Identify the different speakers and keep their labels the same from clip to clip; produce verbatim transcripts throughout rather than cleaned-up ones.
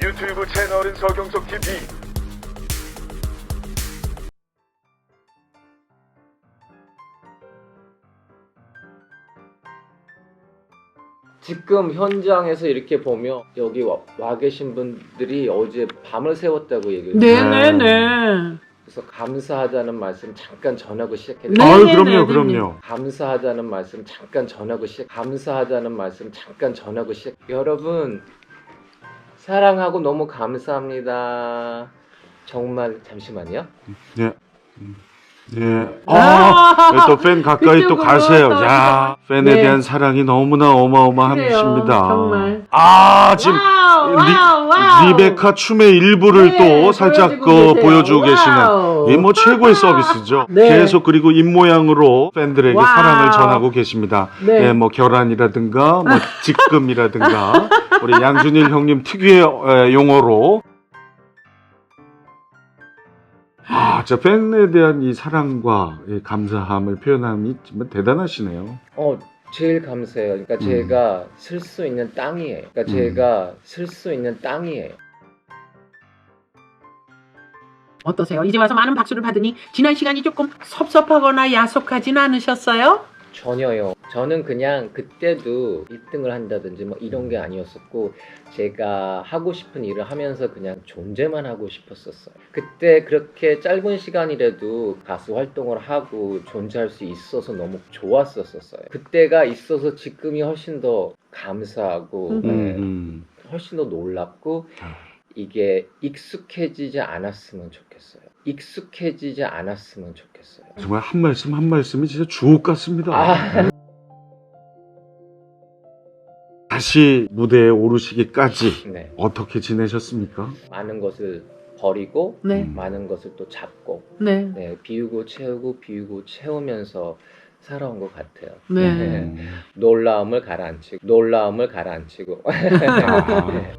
Speaker 1: 유튜브 채널은 서경석 티비.
Speaker 2: 지금 현장에서 이렇게 보면 여기 와, 와 계신 분들이 어제 밤을 새웠다고 얘기를 해요.
Speaker 3: 네네네.
Speaker 2: 그래서 감사하다는 말씀 잠깐 전하고 시작해요.
Speaker 3: 네.
Speaker 4: 아유,
Speaker 3: 네,
Speaker 4: 그럼요,
Speaker 3: 네,
Speaker 4: 그럼요.
Speaker 2: 감사하다는 말씀 잠깐 전하고 시작. 감사하다는 말씀 잠깐 전하고 시작. 여러분 사랑하고 너무 감사합니다. 정말 잠시만요.
Speaker 4: 네. 네. 아, 또 팬 가까이 또
Speaker 3: 그쪽으로
Speaker 4: 가세요.
Speaker 3: 또
Speaker 4: 야, 팬에
Speaker 3: 네.
Speaker 4: 대한 사랑이 너무나 어마어마하십니다.
Speaker 3: 그래요, 정말.
Speaker 4: 아, 지금
Speaker 3: 와우,
Speaker 4: 리,
Speaker 3: 와우, 와우.
Speaker 4: 리베카 춤의 일부를
Speaker 3: 네,
Speaker 4: 또 살짝
Speaker 3: 보여주고
Speaker 4: 그
Speaker 3: 계세요.
Speaker 4: 보여주고
Speaker 3: 와우.
Speaker 4: 계시는 이 뭐 최고의 서비스죠.
Speaker 3: 네.
Speaker 4: 계속 그리고 입모양으로 팬들에게
Speaker 3: 와우.
Speaker 4: 사랑을 전하고 계십니다.
Speaker 3: 네.
Speaker 4: 예, 뭐 결혼이라든가 뭐 직금이라든가 우리 양준일 형님 특유의 어, 용어로 아, 저 팬에 대한 이 사랑과 이 감사함을 표현함이 정말 대단하시네요.
Speaker 2: 어 제일 감사해요. 그러니까
Speaker 4: 음.
Speaker 2: 제가 쓸 수 있는 땅이에요. 그러니까
Speaker 4: 음.
Speaker 2: 제가 쓸 수 있는 땅이에요.
Speaker 3: 어떠세요? 이제 와서 많은 박수를 받으니 지난 시간이 조금 섭섭하거나 야속하진 않으셨어요?
Speaker 2: 전혀요. 저는 그냥 그때도 일 등을 한다든지 뭐 이런 게 아니었었고 제가 하고 싶은 일을 하면서 그냥 존재만 하고 싶었었어요. 그때 그렇게 짧은 시간이라도 가수 활동을 하고 존재할 수 있어서 너무 좋았었어요. 그때가 있어서 지금이 훨씬 더 감사하고
Speaker 3: 음.
Speaker 2: 네,
Speaker 4: 음.
Speaker 2: 훨씬 더 놀랍고
Speaker 4: 아.
Speaker 2: 이게 익숙해지지 않았으면 좋겠어요. 익숙해지지 않았으면 좋겠어요.
Speaker 4: 정말 한 말씀 한 말씀이 진짜 주옥 같습니다.
Speaker 2: 아,
Speaker 4: 다시 무대에 오르시기까지
Speaker 2: 네.
Speaker 4: 어떻게 지내셨습니까?
Speaker 2: 많은 것을 버리고
Speaker 3: 네.
Speaker 4: 음.
Speaker 2: 많은 것을 또 잡고
Speaker 3: 네.
Speaker 2: 네, 비우고 채우고 비우고 채우면서 살아온 것 같아요.
Speaker 3: 네.
Speaker 4: 음.
Speaker 2: 놀라움을 가라앉히고 놀라움을 가라앉히고
Speaker 4: 아.
Speaker 2: 네.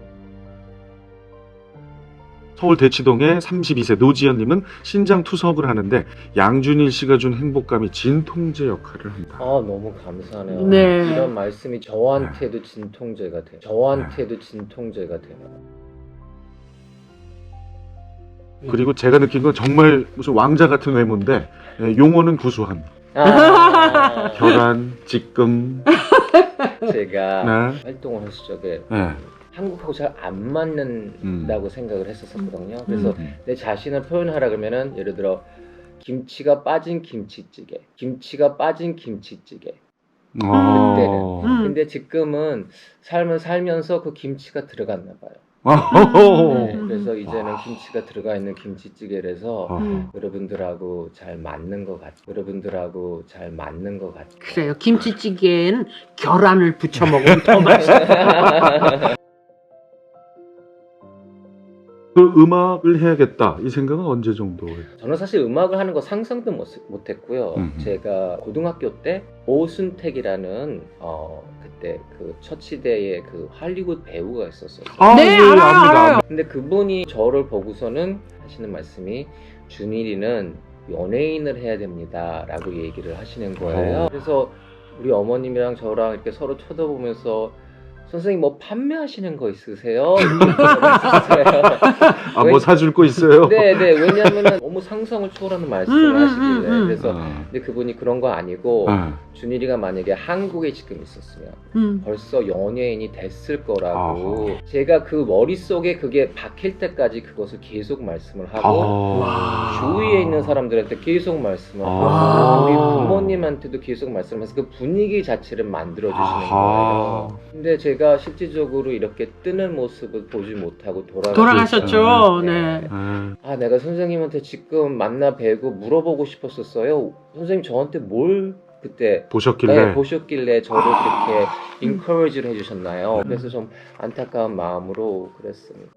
Speaker 4: 서울 대치동의 삼십이 세 노지연님은 신장 투석을 하는데 양준일 씨가 준 행복감이 진통제 역할을 한다.
Speaker 2: 아 너무 감사하네요.
Speaker 3: 네.
Speaker 2: 이런 말씀이 저한테도 진통제가 돼요. 저한테도 진통제가 돼요.
Speaker 4: 그리고 제가 느낀 건 정말 무슨 왕자 같은 외모인데 예, 용어는 구수한
Speaker 2: 아,
Speaker 4: 결혼, 직금,
Speaker 2: 제가
Speaker 4: 네.
Speaker 2: 활동을 했을 적에
Speaker 4: 네.
Speaker 2: 한국하고 잘 안 맞는다고 생각을 했었거든요.
Speaker 3: 음.
Speaker 2: 그래서
Speaker 4: 음.
Speaker 2: 내 자신을 표현하라 그러면은 예를 들어 김치가 빠진 김치찌개, 김치가 빠진 김치찌개.
Speaker 4: 어.
Speaker 3: 음.
Speaker 2: 근데 지금은 삶을 살면서 그 김치가 들어갔나 봐요.
Speaker 4: 어.
Speaker 2: 네, 그래서 이제는 김치가 들어가 있는 김치찌개라서
Speaker 4: 어.
Speaker 3: 음.
Speaker 2: 여러분들하고 잘 맞는 것 같아요. 여러분들하고 잘 맞는 것 같아요.
Speaker 3: 그래요. 김치찌개엔 계란을 부쳐 먹으면 더 맛있어요.
Speaker 4: 그 음악을 해야겠다 이 생각은 언제 정도예요?
Speaker 2: 저는 사실 음악을 하는 거 상상도 못, 못했고요.
Speaker 4: 음흠.
Speaker 2: 제가 고등학교 때 오순택이라는 어 그때 그 처치대의 그 할리우드 배우가 있었어요.
Speaker 4: 아,
Speaker 3: 네,
Speaker 4: 예,
Speaker 3: 알아요,
Speaker 4: 압니다.
Speaker 3: 알아요.
Speaker 2: 근데 그분이 저를 보고서는 하시는 말씀이 준일이는 연예인을 해야 됩니다라고 얘기를 하시는 거예요.
Speaker 4: 어.
Speaker 2: 그래서 우리 어머님이랑 저랑 이렇게 서로 쳐다보면서 선생님 뭐 판매하시는 거 있으세요? 이렇게 물어봤었어요.
Speaker 4: 아, 뭐 사줄 거 있어요?
Speaker 2: 네네, 왜냐하면 너무 상상을 초월하는 말씀을
Speaker 3: 음, 음,
Speaker 2: 하시길래
Speaker 3: 음, 음.
Speaker 2: 그래서
Speaker 4: 아.
Speaker 2: 근데 그분이 그런 거 아니고
Speaker 4: 아.
Speaker 2: 준일이가 만약에 한국에 지금 있었으면
Speaker 3: 음.
Speaker 2: 벌써 연예인이 됐을 거라고 제가 그 머릿속에 그게 박힐 때까지 그것을 계속 말씀을 하고
Speaker 4: 아.
Speaker 2: 주위에 있는 사람들한테 계속 말씀을
Speaker 4: 아.
Speaker 2: 하고 우리 부모님한테도 계속 말씀을 해서 그 분위기 자체를 만들어주시는
Speaker 4: 아하.
Speaker 2: 거예요. 근데 제가 실질적으로 이렇게 뜨는 모습을 보지 못하고 돌아가셨죠.
Speaker 3: 돌아가셨죠.
Speaker 2: 네.
Speaker 3: 네.
Speaker 4: 아.
Speaker 2: 아 내가 선생님한테 지금 만나 뵈고 물어보고 싶었었어요. 선생님 저한테 뭘 그때
Speaker 4: 보셨길래
Speaker 2: 네, 보셨길래 저를 그렇게 인커리지를 해주셨나요? 그래서 좀 안타까운 마음으로 그랬습니다.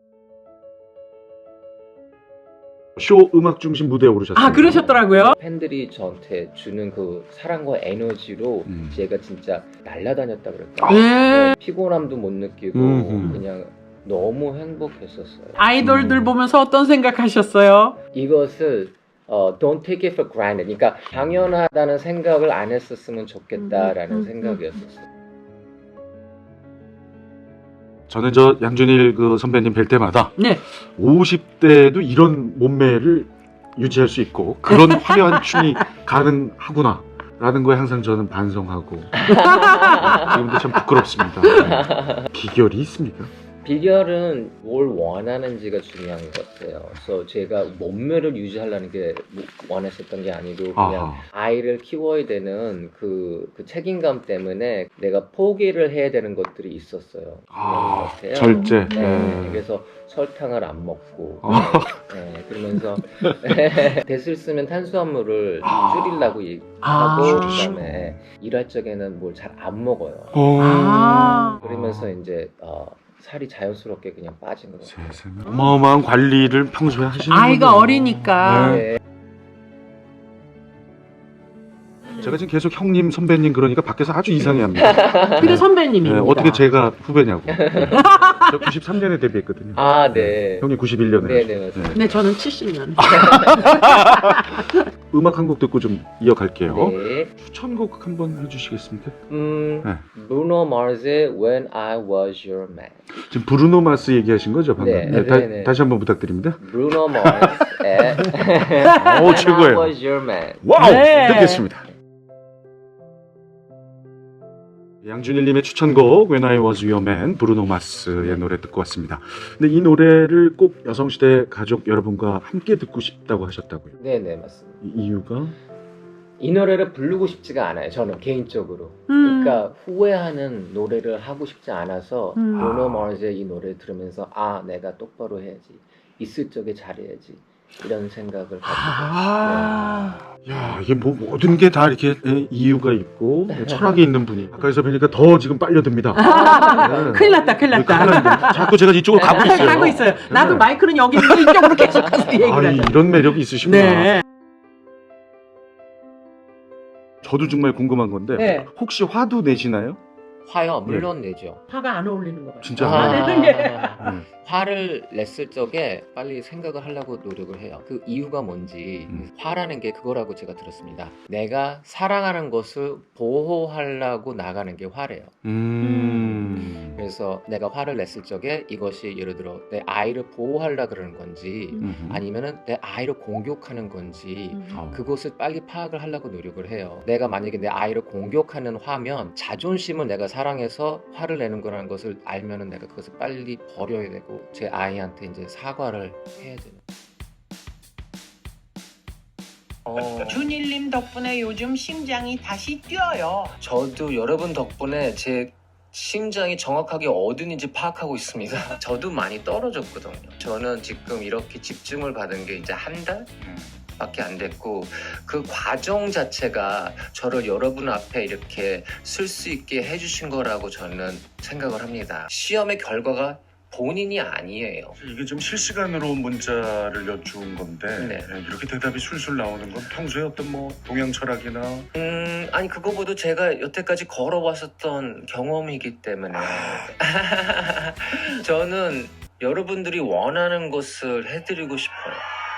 Speaker 4: 쇼 음악 중심 무대에 오르셨어요.
Speaker 3: 아, 그러셨더라고요.
Speaker 2: 팬들이 저한테 주는 그 사랑과 에너지로
Speaker 4: 음.
Speaker 2: 제가 진짜 날아다녔다 그럴까?
Speaker 3: 네.
Speaker 2: 피곤함도 못 느끼고
Speaker 4: 음흠.
Speaker 2: 그냥 너무 행복했었어요.
Speaker 3: 아이돌들
Speaker 4: 음.
Speaker 3: 보면서 어떤 생각하셨어요?
Speaker 2: 이것을 어, don't take it for granted. 그러니까 당연하다는 생각을 안 했었으면 좋겠다라는
Speaker 3: 음, 음, 음.
Speaker 2: 생각이었었어요.
Speaker 4: 저는 저 양준일 그 선배님 뵐 때마다
Speaker 3: 네.
Speaker 4: 오십 대도 이런 몸매를 유지할 수 있고 그런 화려한 춤이 가능하구나 라는 거에 항상 저는 반성하고 지금도 참 부끄럽습니다. 네. 비결이 있습니까?
Speaker 2: 비결은 뭘 원하는지가 중요한 것 같아요. 그래서 제가 몸매를 유지하려는 게 원했었던 게 아니고 그냥
Speaker 4: 아하.
Speaker 2: 아이를 키워야 되는 그, 그 책임감 때문에 내가 포기를 해야 되는 것들이 있었어요.
Speaker 4: 아,
Speaker 2: 그런 것 같아요.
Speaker 4: 절제.
Speaker 2: 네,
Speaker 4: 네.
Speaker 2: 그래서 설탕을 안 먹고
Speaker 4: 아.
Speaker 2: 네, 그러면서 됐을 쓰면 탄수화물을
Speaker 4: 아.
Speaker 2: 줄이려고 이-
Speaker 3: 아.
Speaker 2: 하고
Speaker 4: 줄이시고.
Speaker 2: 그다음에 일할 적에는 뭘 잘 안 먹어요.
Speaker 4: 어.
Speaker 3: 아.
Speaker 2: 그러면서 이제 어, 살이 자연스럽게 그냥 빠진 것 같아요.
Speaker 4: 세상에. 어마어마한 관리를 평소에 하시는
Speaker 3: 아이가 어리니까.
Speaker 4: 네. 제가 지금 계속 형님, 선배님 그러니까 밖에서 아주 이상해합니다.
Speaker 3: 근데 선배님입니다.
Speaker 4: 네, 어떻게 제가 후배냐고. 네. 저 구십삼 년에 데뷔했거든요.
Speaker 2: 아, 네.
Speaker 4: 형님 구십일 년에.
Speaker 2: 네, 네, 맞습니다.
Speaker 3: 네, 저는 칠십 년.
Speaker 4: 음악 한 곡 듣고 좀 이어갈게요.
Speaker 2: 네.
Speaker 4: 추천곡 한번 해주시겠습니까?
Speaker 2: 음,
Speaker 4: 네.
Speaker 2: Bruno Mars의 When I Was Your Man.
Speaker 4: 지금 브루노 마스 얘기하신 거죠 방금?
Speaker 2: 네,
Speaker 4: 네, 다,
Speaker 2: 네, 네.
Speaker 4: 다시 한번 부탁드립니다.
Speaker 2: Bruno Mars의
Speaker 4: 오,
Speaker 2: When
Speaker 4: 최고예요.
Speaker 2: I Was Your Man.
Speaker 4: 와우!
Speaker 3: 네.
Speaker 4: 듣겠습니다. 양준일님의 추천곡 When I Was Your Man, 브루노 마스의 노래 듣고 왔습니다. 근데 이 노래를 꼭 여성시대 가족 여러분과 함께 듣고 싶다고 하셨다고요.
Speaker 2: 네, 네, 맞습니다.
Speaker 4: 이 이유가?
Speaker 2: 이 노래를 부르고 싶지가 않아요. 저는 개인적으로.
Speaker 3: 음.
Speaker 2: 그러니까 후회하는 노래를 하고 싶지 않아서
Speaker 3: 음.
Speaker 2: 브루노 마스의 이 노래 들으면서 아, 내가 똑바로 해야지. 있을 적에 잘해야지. 이런 생각을 가지고.
Speaker 3: 아.
Speaker 4: 야, 이게 뭐 모든 게 다 이렇게 예, 이유가 있고 철학이 있는 분이 가까이서 뵈니까 더 지금 빨려듭니다. 네.
Speaker 3: 큰일 났다, 큰일 났다.
Speaker 4: 큰일 났네. 자꾸 제가 이쪽으로 가고 있어요.
Speaker 3: 가고 있어요. 나도
Speaker 4: 네.
Speaker 3: 마이크는 여기 있는데 이쪽으로 계속 가서 얘기를
Speaker 4: 아,
Speaker 3: 하죠.
Speaker 4: 이런 매력이 있으시구나.
Speaker 3: 네.
Speaker 4: 저도 정말 궁금한 건데
Speaker 3: 네.
Speaker 4: 혹시 화도 내시나요?
Speaker 2: 화요, 물론 내죠.
Speaker 3: 화가 안 어울리는 것 같아요.
Speaker 4: 진짜?
Speaker 3: 아,
Speaker 2: 아,
Speaker 3: 네, 네.
Speaker 4: 네.
Speaker 2: 화를 냈을 적에 빨리 생각을 하려고 노력을 해요. 그 이유가 뭔지.
Speaker 4: 음.
Speaker 2: 화라는 게 그거라고 제가 들었습니다. 내가 사랑하는 것을 보호하려고 나가는 게 화래요.
Speaker 4: 음.
Speaker 2: 그래서 내가 화를 냈을 적에 이것이 예를 들어 내 아이를 보호하려 그러는 건지
Speaker 4: 음.
Speaker 2: 아니면은 내 아이를 공격하는 건지
Speaker 3: 음.
Speaker 4: 어.
Speaker 2: 그것을 빨리 파악을 하려고 노력을 해요. 내가 만약에 내 아이를 공격하는 화면 자존심을 내가 사랑해서 화를 내는 거라는 것을 알면은 내가 그것을 빨리 버려야 되고 제 아이한테 이제 사과를 해야 되는. 어,
Speaker 3: 준일님 덕분에 요즘 심장이 다시 뛰어요.
Speaker 2: 저도 여러분 덕분에 제 심장이 정확하게 어딘지 파악하고 있습니다. 저도 많이 떨어졌거든요. 저는 지금 이렇게 집중을 받은 게 이제 한 달? 밖에 안 됐고 그 과정 자체가 저를 여러분 앞에 이렇게 쓸 수 있게 해주신 거라고 저는 생각을 합니다. 시험의 결과가 본인이 아니에요.
Speaker 5: 이게 좀 실시간으로 문자를 여쭈은 건데
Speaker 2: 네.
Speaker 5: 예, 이렇게 대답이 술술 나오는 건 평소에 어떤 뭐 동양 철학이나
Speaker 2: 음, 아니 그거보다 제가 여태까지 걸어왔었던 경험이기 때문에 저는 여러분들이 원하는 것을 해드리고 싶어요.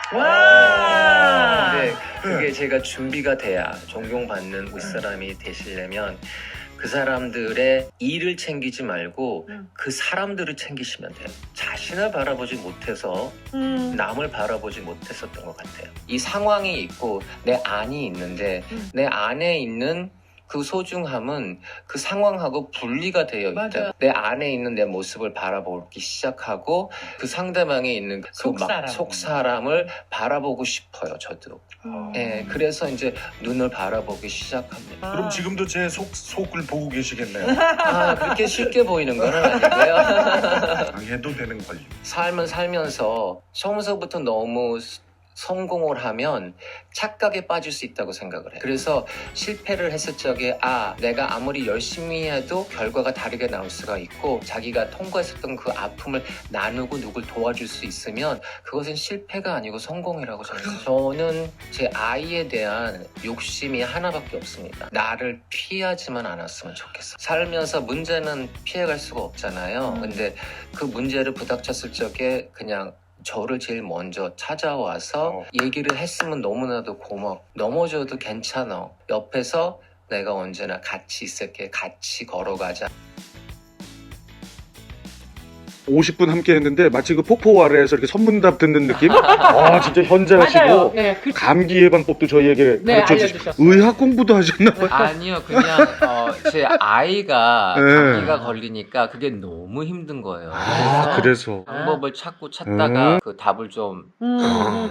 Speaker 3: 와.
Speaker 2: 근데 그게 제가 준비가 돼야 존경받는 윗사람이 되시려면 그 사람들의 일을 챙기지 말고
Speaker 3: 음.
Speaker 2: 그 사람들을 챙기시면 돼요. 자신을 바라보지 못해서
Speaker 3: 음.
Speaker 2: 남을 바라보지 못했었던 것 같아요. 이 상황이 있고 내 안이 있는데
Speaker 3: 음.
Speaker 2: 내 안에 있는 그 소중함은 그 상황하고 분리가 되어 있다.
Speaker 3: 맞아.
Speaker 2: 내 안에 있는 내 모습을 바라보기 시작하고 그 상대방에 있는 그
Speaker 3: 속사람.
Speaker 2: 막 속사람을 바라보고 싶어요. 저도.
Speaker 3: 음.
Speaker 2: 예, 그래서 이제 눈을 바라보기 시작합니다.
Speaker 5: 그럼 지금도 제 속, 속을 보고 계시겠네요.
Speaker 2: 아, 그렇게 쉽게 보이는 건 아니고요.
Speaker 5: 당해도 되는 권리.
Speaker 2: 삶을 살면서 처음서부터 너무 성공을 하면 착각에 빠질 수 있다고 생각을 해요. 그래서 실패를 했을 적에 아, 내가 아무리 열심히 해도 결과가 다르게 나올 수가 있고 자기가 통과했었던 그 아픔을 나누고 누굴 도와줄 수 있으면 그것은 실패가 아니고 성공이라고 저는 저는 제 아이에 대한 욕심이 하나밖에 없습니다. 나를 피하지만 않았으면 좋겠어요. 살면서 문제는 피해갈 수가 없잖아요. 근데 그 문제를 부닥쳤을 적에 그냥 저를 제일 먼저 찾아와서
Speaker 5: 어.
Speaker 2: 얘기를 했으면 너무나도 고마워. 넘어져도 괜찮아. 옆에서 내가 언제나 같이 있을게. 같이 걸어가자.
Speaker 4: 오십 분 함께 했는데 마치 그 폭포 아래에서 이렇게 선문답 듣는 느낌? 아, 진짜 현장하시고
Speaker 3: 맞아요. 네, 그,
Speaker 4: 감기 예방법도 저희에게
Speaker 3: 네,
Speaker 4: 가르쳐 주시고
Speaker 3: 알려주셨어요.
Speaker 4: 의학 공부도 하셨나 봐요.
Speaker 2: 아니요, 그냥 어, 제 아이가
Speaker 4: 네.
Speaker 2: 감기가 걸리니까 그게 너무 힘든 거예요.
Speaker 4: 아, 그래서
Speaker 2: 방법을 찾고 찾다가 그 답을 좀
Speaker 3: 음,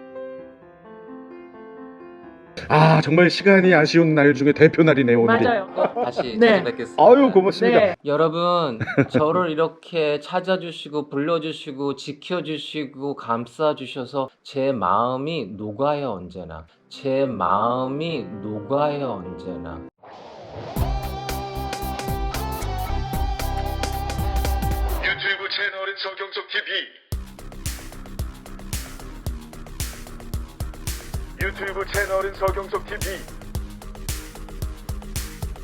Speaker 4: 아, 정말 시간이 아쉬운 날 중에 대표 날이네요, 오늘이.
Speaker 3: 맞아요.
Speaker 2: 다시
Speaker 3: 네.
Speaker 2: 찾아뵙겠습니다.
Speaker 4: 아유, 고맙습니다.
Speaker 3: 네.
Speaker 2: 여러분, 저를 이렇게 찾아주시고 불러주시고 지켜주시고 감싸주셔서 제 마음이 녹아요, 언제나. 제 마음이 녹아요, 언제나.
Speaker 1: 유튜브 채널은 서경석 티비. 유튜브 채널은 서경석 티비.